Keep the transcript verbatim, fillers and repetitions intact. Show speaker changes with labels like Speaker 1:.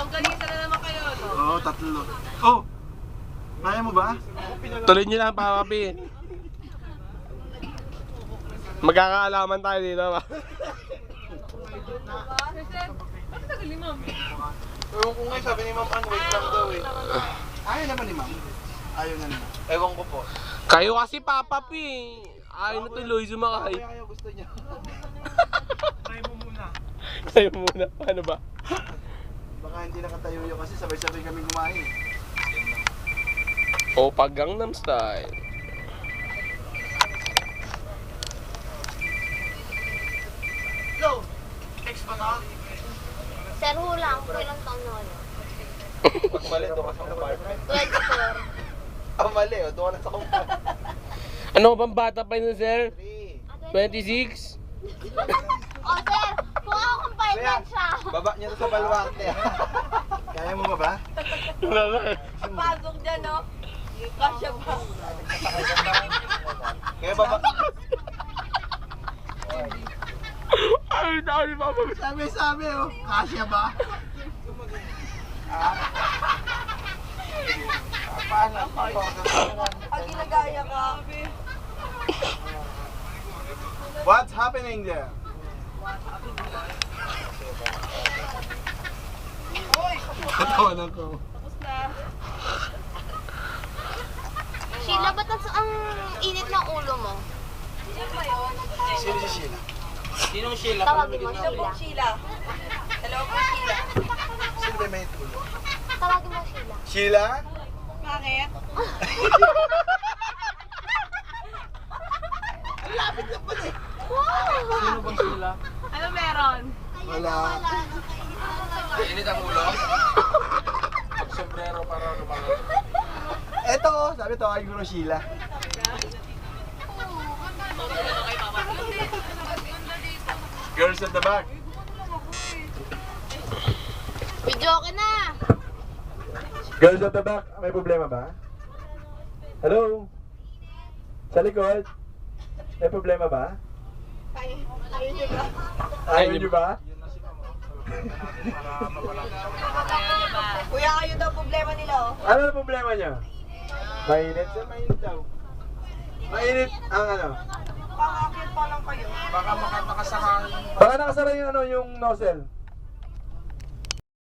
Speaker 1: Longganisa na naman kayo, no?
Speaker 2: Oo, tatlo. Oh! Kaya mo ba?
Speaker 3: Tuloy nyo lang, papapi. Magkakaalaman tayo dito ba?
Speaker 1: Bakit tagal ni Ma'am?
Speaker 2: Ewan ko nga, sabi ni Ma'am Ann, wait lang daw eh. Ayaw naman ni Ma'am. Ayaw na naman. Ewan ko po.
Speaker 3: Kayo kasi papapi. Ayaw na tuloy sumakay.
Speaker 2: Kaya kayo gusto niya. Try mo muna.
Speaker 3: Kayo muna, paano ba?
Speaker 2: Baka hindi nakatayo yun kasi sabay-sabay kami kumain.
Speaker 3: O pag Gangnam Style.
Speaker 2: Hello! Ex ba ka?
Speaker 4: Sir, hulang ko ilang taon na wala.
Speaker 2: Pag mali, doon ka sa apartment.
Speaker 4: twenty-four.
Speaker 2: Ah, mali, oh, doon ka na sa compound.
Speaker 3: Ano bang bata pa yun, sir?
Speaker 2: Three.
Speaker 3: twenty-six?
Speaker 4: Oh, sir, kung ako compartment siya.
Speaker 2: Baba niya to sa baluarte. Kaya mo ba ba?
Speaker 3: Wala na.
Speaker 1: Pasok dyan, no? Kasya ba?
Speaker 2: Kaya baba.
Speaker 3: Ay, dami pa ba?
Speaker 2: Sabi, sabi, oh. Kasya ba? Ah. Paano?
Speaker 1: Pag ginagaya ka.
Speaker 2: What's happening there?
Speaker 1: Uy!
Speaker 2: Katawanan ko.
Speaker 1: Tapos na.
Speaker 4: Sheila, ba't ang, ang init ng ulo mo?
Speaker 1: Sino ba yun?
Speaker 2: Sino si Sheila? Sinong Sheila?
Speaker 4: Tawagin mo
Speaker 1: Sino
Speaker 4: Sheila.
Speaker 1: pong Sheila? Hello po, Sheila.
Speaker 2: Sino ba may tulo?
Speaker 4: Tawagin mo Sheila.
Speaker 2: Sheila?
Speaker 1: Bakit?
Speaker 2: Lapit na pala eh.
Speaker 4: Wow!
Speaker 2: Sino bang Sheila?
Speaker 1: Ano meron?
Speaker 2: Wala.
Speaker 3: Init ang ulo. Sombrero para lumangon.
Speaker 2: Eto, sabi to, ay guro Sheila. Girls at the back.
Speaker 4: Video ka na!
Speaker 2: Girls at the back, may problema ba? Hello? Sa likod? May problema ba?
Speaker 1: Ayaw niyo ba?
Speaker 2: Ayaw niyo ba?
Speaker 1: Kuya, kayo daw problema nila, oh.
Speaker 2: Ano ang problema niya? Mainit? Sir, mainit daw. Mainit ang ano?
Speaker 1: Pangakit pa lang kayo.
Speaker 2: Baka nakasara yung ano, yung nozzle.